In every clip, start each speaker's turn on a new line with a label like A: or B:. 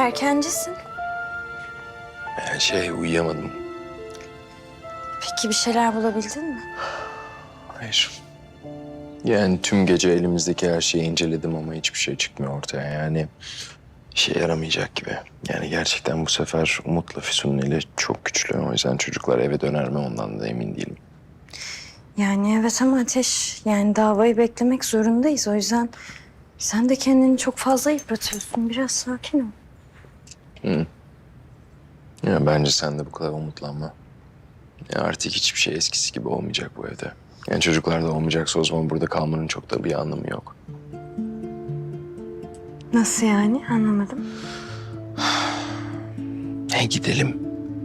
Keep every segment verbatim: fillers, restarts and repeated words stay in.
A: erkencisin.
B: Yani şey uyuyamadım.
A: Peki bir şeyler bulabildin mi?
B: Hayır. Yani tüm gece elimizdeki her şeyi inceledim ama hiçbir şey çıkmıyor ortaya. Yani işe yaramayacak gibi. Yani gerçekten bu sefer Umut'la Füsun'un eli çok güçlü. O yüzden çocuklar eve döner mi ondan da emin değilim.
A: Yani evet ama Ateş, yani davayı beklemek zorundayız. O yüzden sen de kendini çok fazla yıpratıyorsun. Biraz sakin ol.
B: Hı. Ya bence sen de bu kadar umutlanma. Ya artık hiçbir şey eskisi gibi olmayacak bu evde. Yani çocuklar da olmayacaksa o zaman burada kalmanın çok da bir anlamı yok.
A: Nasıl yani? Anlamadım.
B: E gidelim.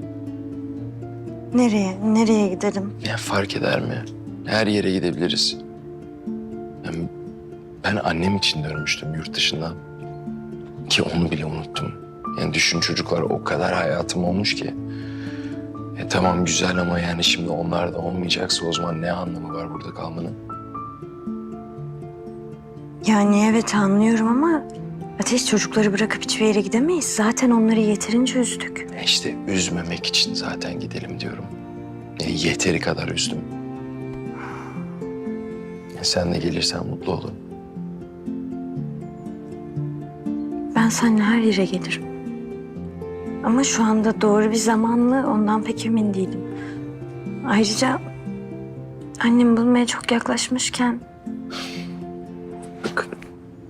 A: Nereye? Nereye gidelim?
B: Ya fark eder mi? Her yere gidebiliriz. Yani ben annem için dönmüştüm yurt dışından. Ki onu bile unuttum. Yani düşün çocuklar o kadar hayatım olmuş ki. E tamam güzel ama yani şimdi onlar da olmayacaksa o zaman ne anlamı var burada kalmanın?
A: Yani evet anlıyorum ama Ateş, çocukları bırakıp hiçbir yere gidemeyiz. Zaten onları yeterince üzdük.
B: E işte üzmemek için zaten gidelim diyorum. E yeteri kadar üzdüm. E sen de gelirsen mutlu olurum.
A: Ben seninle her yere gelirim. Ama şu anda doğru bir zaman mı ondan pek emin değilim. Ayrıca annem bulmaya çok yaklaşmışken
B: Bak.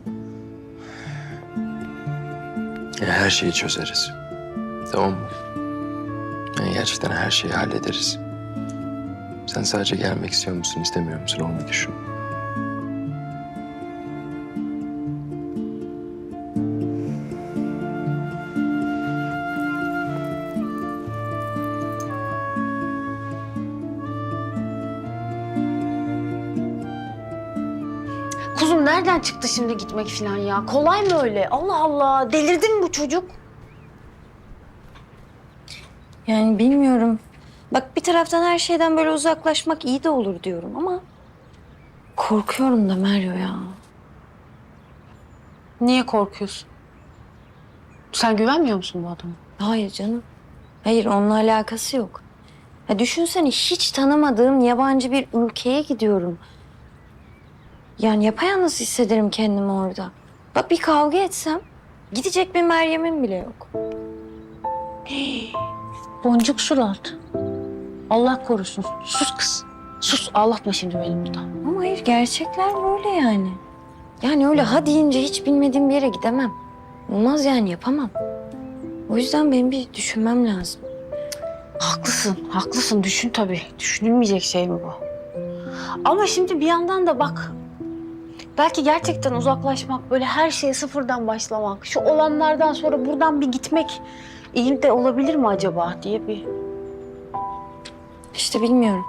B: Ya her şeyi çözeriz. Tamam mı? Yani gerçekten her şeyi hallederiz. Sen sadece gelmek istiyor musun, istemiyor musun onu bir düşün.
C: Kuzum nereden çıktı şimdi gitmek falan ya? Kolay mı öyle? Allah Allah. Delirdi mi bu çocuk?
A: yani bilmiyorum. Bak bir taraftan her şeyden böyle uzaklaşmak iyi de olur diyorum ama korkuyorum da Meryo ya.
C: Niye korkuyorsun? Sen güvenmiyor musun bu adama?
A: Hayır canım. Hayır, onunla alakası yok. Ya düşünsene, hiç tanımadığım yabancı bir ülkeye gidiyorum. Yani yapayalnız hissederim kendimi orada. Bak bir kavga etsem gidecek bir Meryem'im bile yok.
C: Boncuk surat. Allah korusun. Sus kız. Sus. Ağlatma şimdi beni burada.
A: Ama hayır, gerçekler böyle yani. Yani öyle ha deyince hiç bilmediğim bir yere gidemem. Olmaz yani, yapamam. O yüzden benim bir düşünmem lazım.
C: Haklısın. Haklısın. Düşün tabii. Düşünülmeyecek şey mi bu? Ama şimdi bir yandan da bak. Belki gerçekten uzaklaşmak, böyle her şeye sıfırdan başlamak, şu olanlardan sonra buradan bir gitmek iyi de olabilir mi acaba diye bir...
A: İşte bilmiyorum.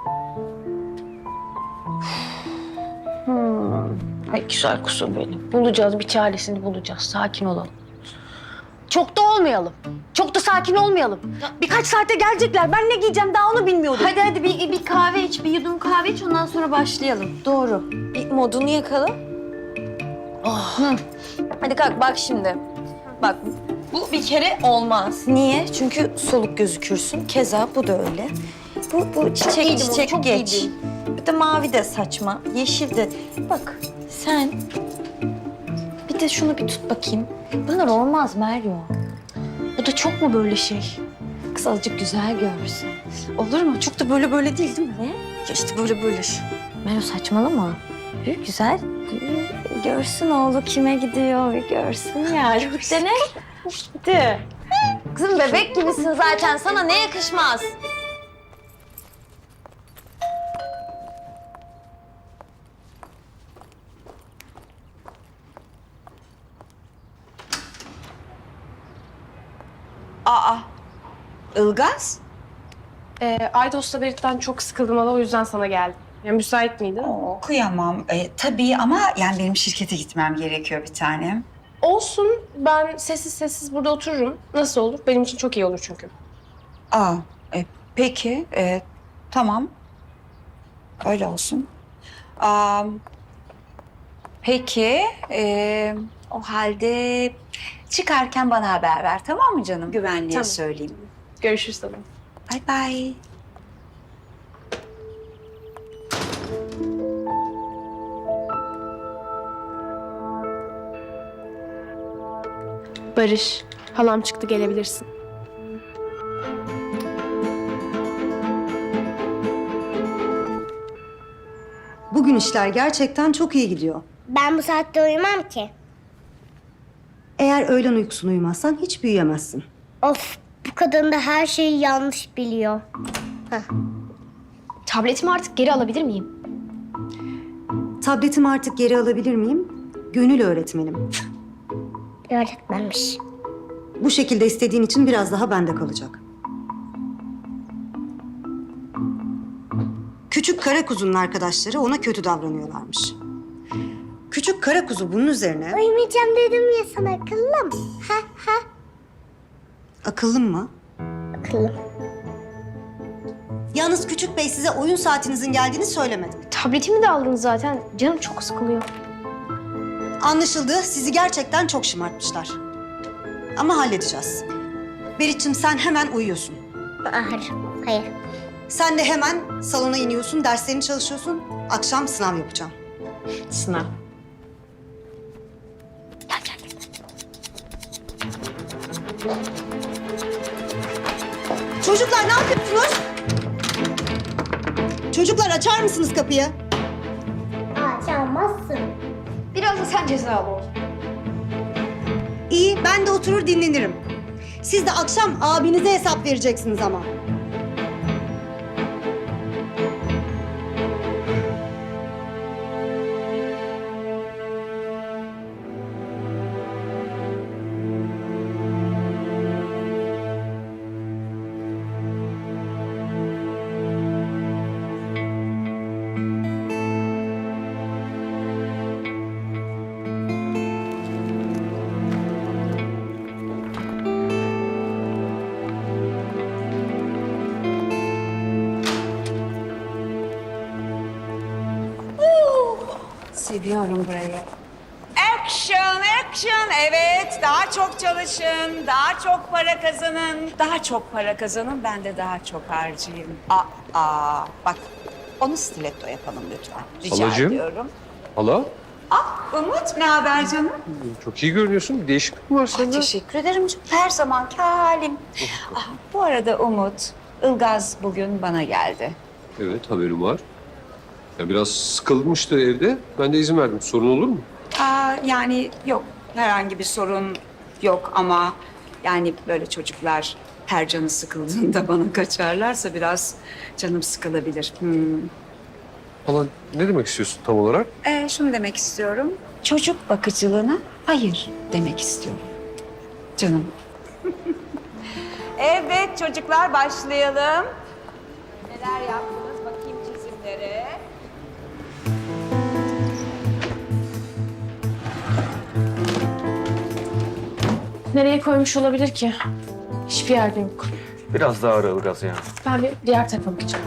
C: Hmm. Ay güzel kuzum benim. Bulacağız, bir çaresini bulacağız. Sakin olalım. Çok da olmayalım. Çok da sakin olmayalım. Birkaç saate gelecekler. Ben ne giyeceğim daha onu bilmiyorum.
A: Hadi hadi bir, bir kahve iç, bir yudum kahve iç, ondan sonra başlayalım. Doğru. Bir modunu yakalım. Oh. Hı. Hadi kalk bak şimdi. Bak bu bir kere olmaz. Niye? Çünkü soluk gözükürsün. Keza bu da öyle. Bu, bu çiçek
C: giydim onu,
A: çiçek
C: çok
A: geç.
C: giydim.
A: Bir de mavi de saçma, yeşil de. Bak sen bir de şunu bir tut bakayım. Bunlar olmaz Meryo.
C: Bu da çok mu böyle şey?
A: Kız azıcık güzel görsün.
C: Olur mu? Çok da böyle böyle değil değil mi?
A: Ne?
C: Ya işte böyle böyle.
A: Meryo saçmalama. Bir güzel bir görsün oğlu kime gidiyor, bir görsün ya. Bir de ne? Hadi. Kızım bebek gibisin zaten, sana ne yakışmaz?
D: Aa, Ilgaz?
E: Ee, Aydos'la Berit'ten çok sıkıldım hala, o yüzden sana geldim. Yani müsait miydin?
D: Oo, kıyamam. Ee, tabii ama yani benim şirkete gitmem gerekiyor bir tanem.
E: Olsun, ben sessiz sessiz burada otururum. Nasıl olur? Benim için çok iyi olur çünkü.
D: Aa, e, peki. e, tamam. Öyle olsun. Aa, peki. e, O halde çıkarken bana haber ver, tamam mı canım? Güvenliğe
E: Tamam.
D: söyleyeyim.
E: Görüşürüz tabii.
D: Bay bay.
E: Barış, halam çıktı, gelebilirsin.
F: Bugün işler gerçekten çok iyi gidiyor.
G: Ben bu saatte uyumam ki.
F: Eğer öğlen uykusunu uyumazsan hiç büyüyemezsin.
G: Of, bu kadın da her şeyi yanlış biliyor.
H: Tabletimi artık geri alabilir miyim?
F: Tabletimi artık geri alabilir miyim? Gönül öğretmenim.
G: Öğretmenmiş.
F: Bu şekilde istediğin için biraz daha bende kalacak. Küçük kara kuzunun arkadaşları ona kötü davranıyorlarmış. Küçük kara kuzu bunun üzerine
G: Uyumayacağım dedim ya sana, akıllım. Ha ha.
F: akıllım mı?
G: Akıllım.
F: Yalnız küçük bey size oyun saatinizin geldiğini söylemedi.
H: Tabletimi de aldınız zaten. Canım çok sıkılıyor.
F: Anlaşıldı. Sizi gerçekten çok şımartmışlar. Ama halledeceğiz. Berit'ciğim sen hemen uyuyorsun.
G: Hayır, hayır.
F: Sen de hemen salona iniyorsun, derslerini çalışıyorsun. Akşam sınav yapacağım.
C: Sınav.
F: Çocuklar ne yapıyorsunuz? Çocuklar açar mısınız kapıyı?
G: Açamazsın.
H: Biraz da sen cezalı ol.
F: İyi, ben de oturur dinlenirim. Siz de akşam abinize hesap vereceksiniz ama.
D: Seviyorum burayı. Action, action. Evet, daha çok çalışın, daha çok para kazanın. Daha çok para kazanın, ben de daha çok harcayayım. Aa, aa bak onu stiletto yapalım lütfen. Rica
I: Halacığım.
D: ediyorum.
I: Hala,
D: Ah, Umut ne haber canım?
I: çok iyi görünüyorsun. Bir değişiklik mi var sende?
D: Teşekkür ederim canım. Her zamanki halim. Ah, bu arada Umut, Ilgaz bugün bana geldi.
I: Evet, haberim var. Ya biraz sıkılmıştı evde. Ben de izin verdim. Sorun olur mu?
D: Aa, yani yok, herhangi bir sorun yok ama yani böyle çocuklar her canı sıkıldığında bana kaçarlarsa biraz canım sıkılabilir. Hmm.
I: Hala, ne demek istiyorsun tam olarak?
D: Ee, şunu demek istiyorum, çocuk bakıcılığına hayır demek istiyorum. Canım. Evet çocuklar başlayalım. Neler yaptınız bakayım çizimlere.
E: Nereye koymuş olabilir ki? Hiçbir yerde yok.
J: Biraz daha ara Ilgaz ya.
E: Ben bir diğer tarafa bakacağım.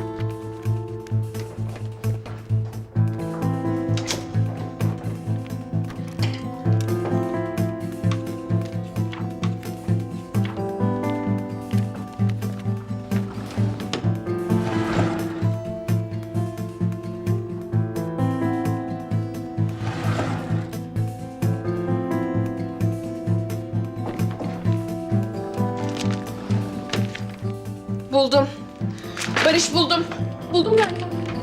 E: Buldum. Barış buldum. Buldum ben.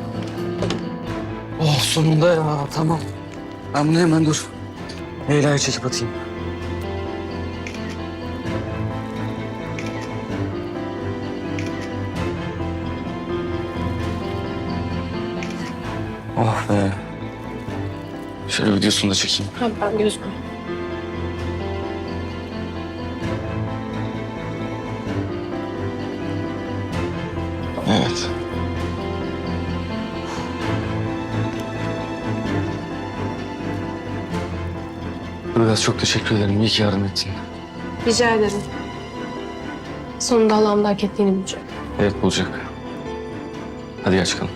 J: Oh sonunda ya tamam. Ben bunu hemen dur. Leyla'yı çekip atayım. Oh be. Şöyle videosunu da çekeyim.
E: Ha, ben gözükmüyorum.
B: Evet.
J: Ilgaz çok teşekkür ederim. İyi ki yardım ettin.
E: Rica ederim. Sonunda halam da hak ettiğini bulacak.
J: Evet bulacak. Hadi gel çıkalım.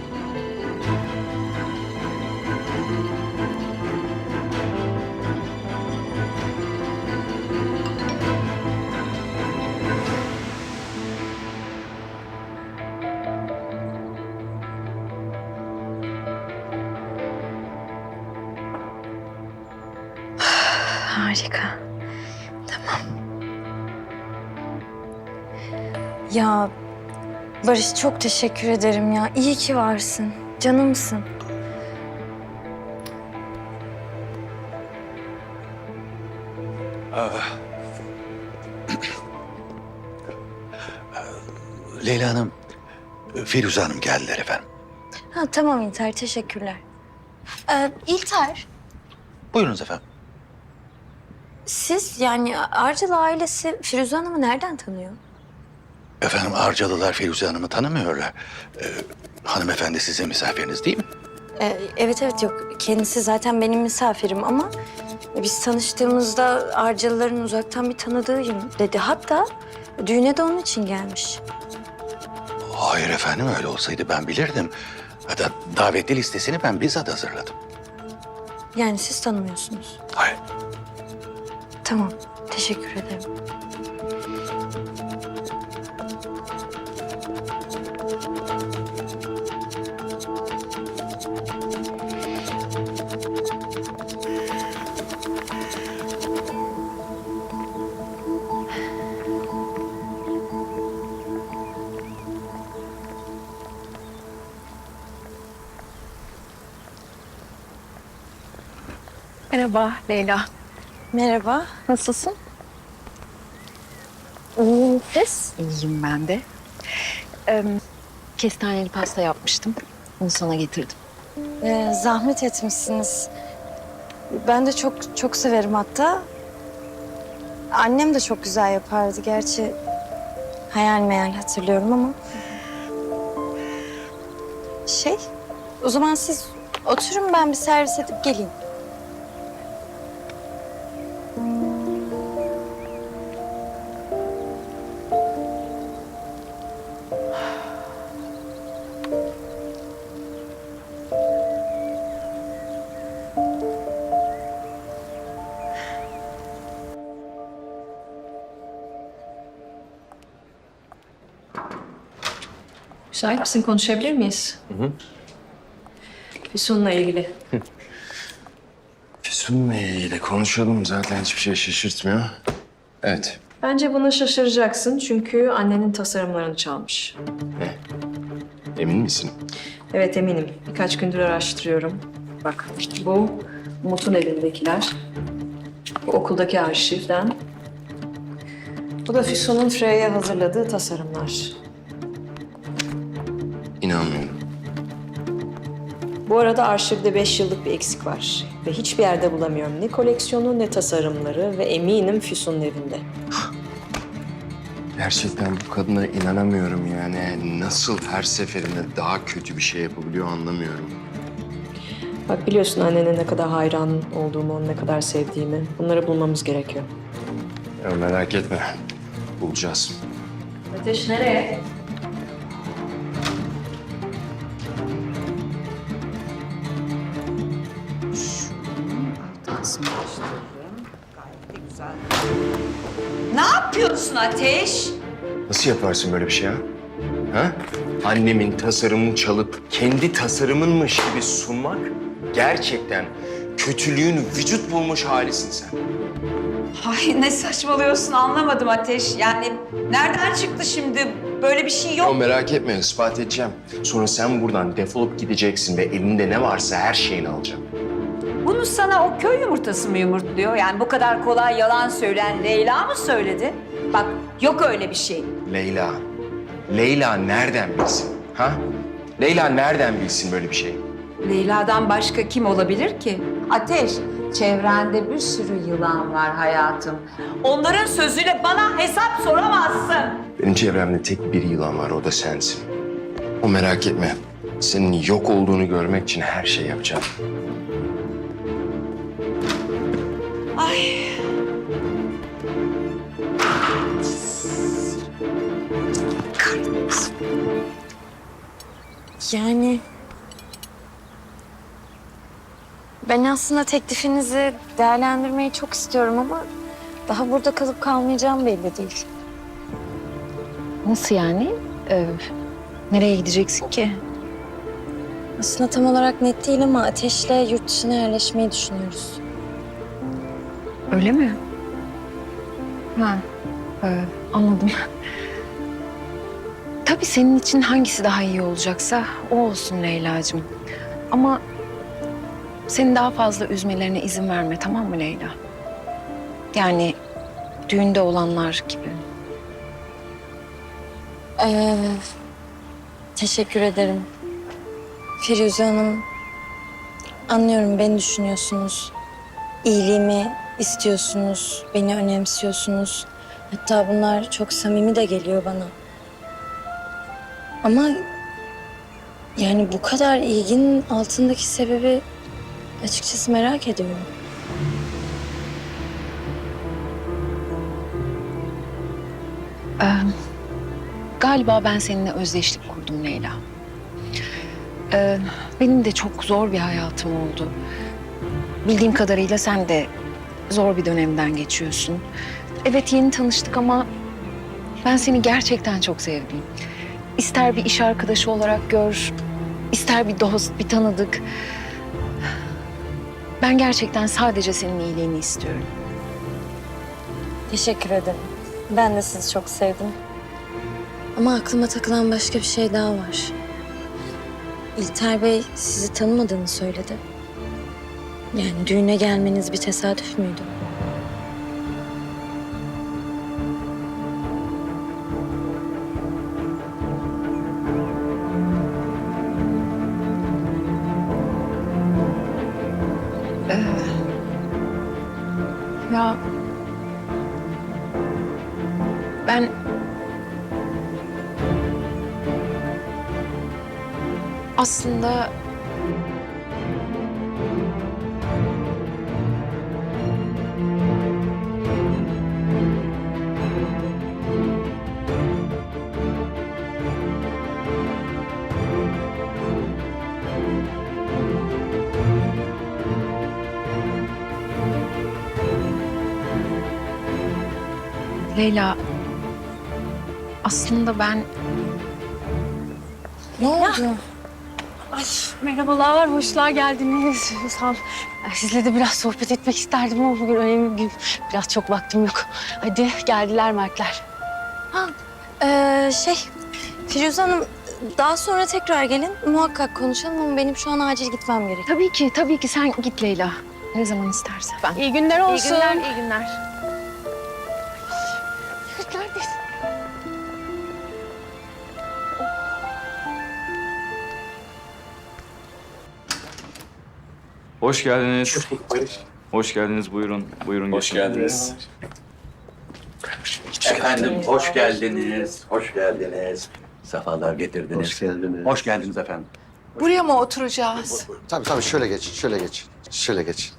A: Harika. Tamam. Ya Barış çok teşekkür ederim ya. İyi ki varsın. Canımsın.
K: Leyla Hanım, Firuze Hanım geldiler efendim.
A: Ha tamam İlter, teşekkürler. Ee, İlter,
K: Buyurunuz efendim.
A: siz yani Arcalı ailesi Firuze Hanım'ı nereden tanıyor?
K: Efendim Arcalılar Firuze Hanım'ı tanımıyorlar. Ee, hanımefendi sizin misafiriniz değil mi?
A: Ee, evet evet yok. Kendisi zaten benim misafirim ama biz tanıştığımızda Arcalıların uzaktan bir tanıdığıyım dedi. Hatta düğüne de onun için gelmiş.
K: Hayır efendim, öyle olsaydı ben bilirdim. Hatta davetli listesini ben bizzat hazırladım.
A: Yani siz tanımıyorsunuz.
K: Hayır.
A: Tamam, teşekkür ederim.
C: Merhaba Leyla.
A: Merhaba.
C: Nasılsın?
A: İyiyim siz?
C: İyiyim ben de. Ee, kestaneli pasta yapmıştım. Onu sana getirdim.
A: Ee, zahmet etmişsiniz. Ben de çok çok severim hatta. Annem de çok güzel yapardı gerçi. Hayal meyal hatırlıyorum ama. Şey, o zaman siz oturun, ben bir servis edip geleyim.
L: Müsait misin? Konuşabilir miyiz?
B: Hı hı.
L: Füsun'la ilgili.
B: Füsun'la ilgili konuşalım. Zaten hiçbir şey şaşırtmıyor. Evet.
L: Bence buna şaşıracaksın çünkü annenin tasarımlarını çalmış.
B: Ne? Emin misin?
L: Evet eminim. Birkaç gündür araştırıyorum. Bak bu Umut'un elindekiler. Bu okuldaki arşivden. Bu da Füsun'un Freya'ya hazırladığı tasarımlar.
B: İnanmıyorum.
L: Bu arada arşivde beş yıllık bir eksik var. Ve hiçbir yerde bulamıyorum. Ne koleksiyonu ne tasarımları ve eminim Füsun'un evinde.
B: Gerçekten bu kadına inanamıyorum yani. Nasıl her seferinde daha kötü bir şey yapabiliyor anlamıyorum.
L: Bak biliyorsun annene ne kadar hayran olduğumu, onu ne kadar sevdiğimi. Bunları bulmamız gerekiyor.
B: Ya merak etme. Bulacağız.
L: Ateş nereye?
D: Ne yapıyorsun Ateş?
B: Nasıl yaparsın böyle bir şey ha? Ha? Annemin tasarımını çalıp kendi tasarımınmış gibi sunmak gerçekten kötülüğün vücut bulmuş halisin sen.
D: Ay ne saçmalıyorsun anlamadım Ateş. Yani nereden çıktı şimdi? Böyle bir şey yok.
B: Ya merak etme, ispat edeceğim. Sonra sen buradan defolup gideceksin ve elinde ne varsa her şeyini alacağım.
D: Bunu sana o köy yumurtası mı yumurtluyor? Yani bu kadar kolay yalan söyleyen Leyla mı söyledi? Bak yok öyle bir şey.
B: Leyla. Leyla nereden bilsin? Ha? Leyla nereden bilsin böyle bir şey?
D: Leyla'dan başka kim olabilir ki? Ateş, çevrende bir sürü yılan var hayatım. Onların sözüyle bana hesap soramazsın.
B: Benim çevremde tek bir yılan var, o da sensin. O merak etme. Senin yok olduğunu görmek için her şey yapacağım.
D: Ay.
A: Yani ben aslında teklifinizi değerlendirmeyi çok istiyorum ama daha burada kalıp kalmayacağım belli değil.
C: Nasıl yani? Ee, nereye gideceksin ki?
A: Aslında tam olarak net değil ama Ateş'le yurt dışına yerleşmeyi düşünüyoruz.
C: Öyle mi? Ha, e, anladım. Tabii senin için hangisi daha iyi olacaksa o olsun Leyla'cığım. Ama seni daha fazla üzmelerine izin verme, tamam mı Leyla? Yani düğünde olanlar gibi.
A: Ee, teşekkür ederim. Firuze Hanım, anlıyorum beni düşünüyorsunuz. İyiliğimi istiyorsunuz, beni önemsiyorsunuz. Hatta bunlar çok samimi de geliyor bana. Ama yani bu kadar ilginin altındaki sebebi açıkçası merak ediyorum.
C: Ee, galiba ben seninle özdeşlik kurdum Leyla. Ee, benim de çok zor bir hayatım oldu. Bildiğim kadarıyla sen de zor bir dönemden geçiyorsun. Evet, yeni tanıştık ama ben seni gerçekten çok sevdim. İster bir iş arkadaşı olarak gör, ister bir dost, bir tanıdık. Ben gerçekten sadece senin iyiliğini istiyorum.
A: Teşekkür ederim. Ben de sizi çok sevdim. Ama aklıma takılan başka bir şey daha var. İlter Bey sizi tanımadığını söyledi. Yani düğüne gelmeniz bir tesadüf müydü?
C: Ya ben aslında Leyla, aslında ben...
A: Ne oldu?
C: Ay, merhabalar, hoşlar geldiniz. Sağ ol. Sizle de biraz sohbet etmek isterdim ama bugün önemli bir gün. Biraz çok vaktim yok. Hadi geldiler Mertler.
A: Ha, ee, şey, Firuze Hanım daha sonra tekrar gelin. Muhakkak konuşalım ama benim şu an acil gitmem gerekiyor.
C: Tabii ki, tabii ki sen git Leyla. Ne zaman istersen. Ben.
E: İyi günler olsun.
C: İyi günler, iyi günler. Neredesin?
M: Hoş geldiniz. Hoş geldiniz. Buyurun. Buyurun. Hoş geldiniz.
K: Efendim hoş geldiniz. Hoş geldiniz. Sefalar getirdiniz. Hoş geldiniz. Hoş geldiniz efendim.
D: Buraya mı oturacağız?
J: Tabii tabii şöyle geç, şöyle geç. Şöyle geç.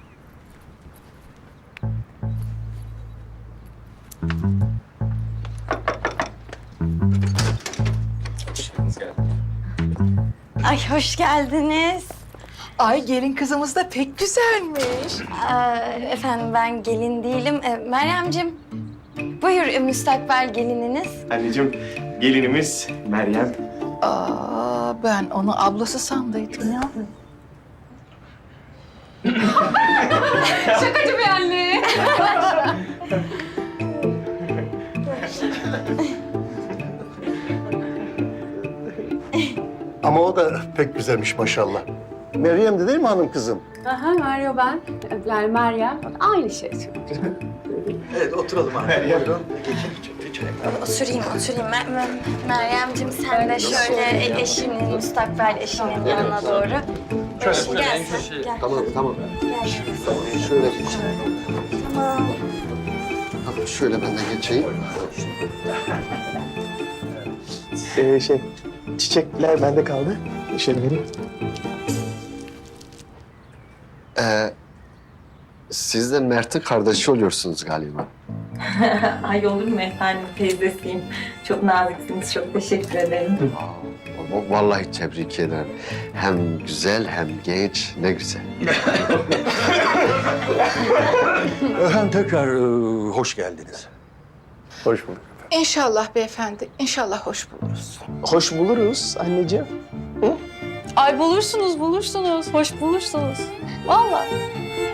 A: Ay hoş geldiniz.
D: Ay gelin kızımız da pek güzelmiş.
A: Ee, efendim ben gelin değilim. Ee, Meryemciğim buyur e, müstakbel gelininiz.
N: Anneciğim, gelinimiz Meryem.
D: Aa, ben onu ablası sandıydım ya.
E: Şakacı bir anne.
N: Ama o da pek güzelmiş maşallah. Meryem de değil mi hanım kızım?
E: Aha, Meryo ben. Yani Meryem. Aynı şey.
K: Evet oturalım abi. Meryem.
A: Oturayım, oturayım. Mer Mer Meryemciğim sen de şöyle e- eşinin, müstakbel eşinin yanına doğru. Şöyle, gel sen, gel.
J: Tamam, tamam.
A: Gel.
J: Şöyle geç.
A: Tamam.
J: Tamam, şöyle ben de geçeyim.
N: Ee, şey, çiçekler bende kaldı. Şöyle vereyim.
J: Ee, siz de Mert'in kardeşi oluyorsunuz galiba.
L: Ay olur mu efendim, teyzesiyim. Çok naziksiniz, çok teşekkür ederim.
J: Aa, vallahi tebrik ederim. Hem güzel hem genç, ne güzel.
K: Efendim tekrar e, hoş geldiniz.
N: Hoş bulduk.
D: İnşallah beyefendi, inşallah hoş buluruz.
N: Hoş buluruz anneciğim.
E: Ay bulursunuz, bulursunuz. Hoş bulursunuz. Vallahi.